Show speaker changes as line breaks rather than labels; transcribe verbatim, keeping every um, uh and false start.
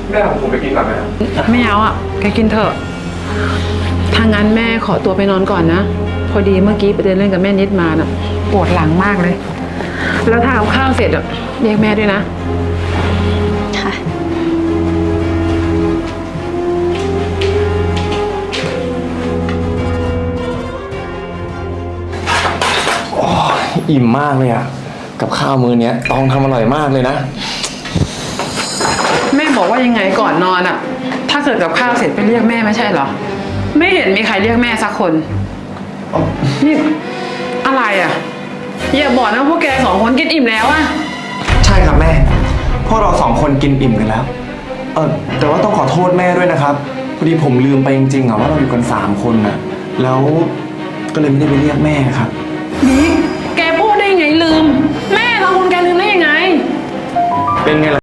แม่ของผมไปกินก่อนไหม
ไม่เอาอ่ะแกกินเถอะถ้างั้นแม่ขอตัวไปนอนก่อนนะพอดีเมื่อกี้ไปเดินเล่นกับแม่นิดมาน่ะปวดหลังมากเลยแล้วถ้าเอาข้าวเสร็จอ่ะเรียกแม่ด้วยนะ
ค่ะ
อิ่มมากเลยอ่ะกับข้าวมื้อเนี้ยตองทำอร่อยมากเลยนะ
แม่บอกว่ายังไงก่อนนอนอ่ะถ้าเกิดกับข้าวเสร็จไปเรียกแม่ไม่ใช่เหรอไม่เห็นมีใครเรียกแม่สักคนนี่อะไรอ่ะอย่าบอกนะพวกแกสองคนกินอิ่มแล้วอ่ะ
ใช่ครับแม่พวกเราสองคนกินอิ่มกันแล้วเออแต่ว่าต้องขอโทษแม่ด้วยนะครับพอดีผมลืมไปจริงๆอ่ะว่าเราอยู่กันสามคนน่ะแล้วก็เลยไม่ได้ไปเรียกแม่ครับ
บิ๊กแกพูดได้ไงลืมแม่เราคนแกลืมได้ยังไง
เป็นไงล่ะ